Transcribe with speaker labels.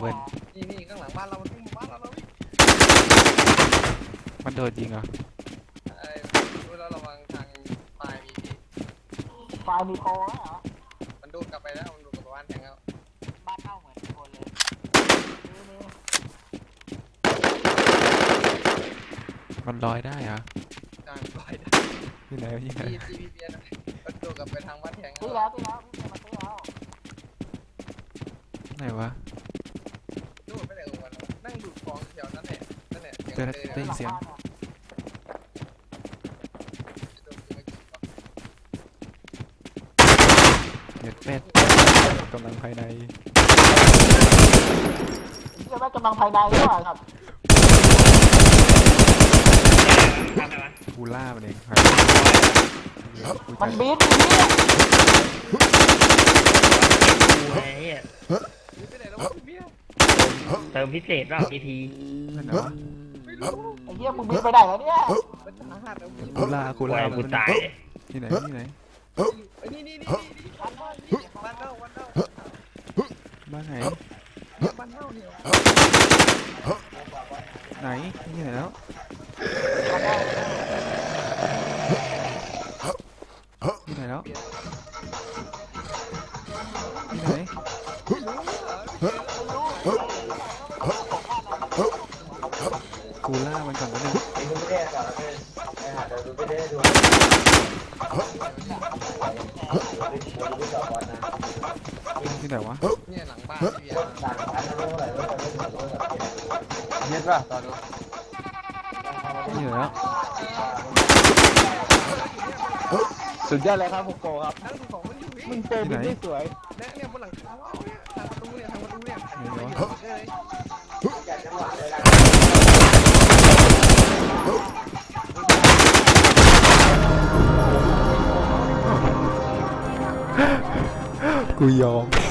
Speaker 1: เว้น
Speaker 2: นี่ข้างหลังบ้านเรามันวิ่งบ้านเราแล้ววิ่ง
Speaker 1: มันโดนยิงเหรอ
Speaker 2: ดูเราระวังทางปลายมีพี่
Speaker 3: ไฟมีโปรแล้วเหรอ
Speaker 2: มันดูดกลับไปแล้วมันดูดกลับไปบ้านแทงแล้ว
Speaker 3: บ้านเน่าเหมือนคนเลยนี่
Speaker 1: มันลอยได้เหรอ
Speaker 2: ทางปลายได้
Speaker 1: ที่ไหนที่ไหน
Speaker 2: พี่เบียร์มันดูดกลับไปทางบ้านแทง
Speaker 3: ซื้อแล้วพี่เจมาซื้อแล้ว
Speaker 1: ไหนวะ
Speaker 2: ดูดไปไหนของมันนั่งดูดฟองแถวนั่นแหละนั่นแหละ
Speaker 1: เจอได้ยินเสียงเน็ตเป็ดกำลังภายใน
Speaker 3: เรียกว่ากำลังภายในหรือเปล่าครับ
Speaker 1: กูล่ามันเอง
Speaker 3: มันบีทอยู่เนี่ย
Speaker 4: ไอ้เหี้ย
Speaker 2: ไปไหนแล้วเบียร์
Speaker 4: เติมพิเศษรอบที
Speaker 1: นั่นเหรอ
Speaker 2: ไม่รู้
Speaker 3: ไอ้เหี้ยมึงบีทไปไหนแล้วเนี่ย
Speaker 2: มันสาหัสแล้วพี่
Speaker 1: กูล่า
Speaker 4: กู
Speaker 1: มัน
Speaker 4: ตาย
Speaker 1: ที่ไหนที่ไหน
Speaker 2: นี่บ้านเน่าบ้านเน่า
Speaker 1: บ้านไหน
Speaker 2: บ้านเน่าเนี่ย
Speaker 1: ไหนที่ไหนแล้วที่ไหนแล้วที่ไหนกูล่ามันก่อนแล้วนึงที่ไหนวะ
Speaker 2: เนี่ยหลังบ้านเบียร์เย็ดป่ะตอนนี้
Speaker 1: ที่ไหนแล้ว
Speaker 5: สุดยอดเลยครับพวกโกครับ
Speaker 2: นั่งดูของมันอยู่
Speaker 5: มึงเจอบินได้สวย
Speaker 2: เนี่ยบนหลังคาเนี่ยทางประตูเนี่ย
Speaker 1: กูยอม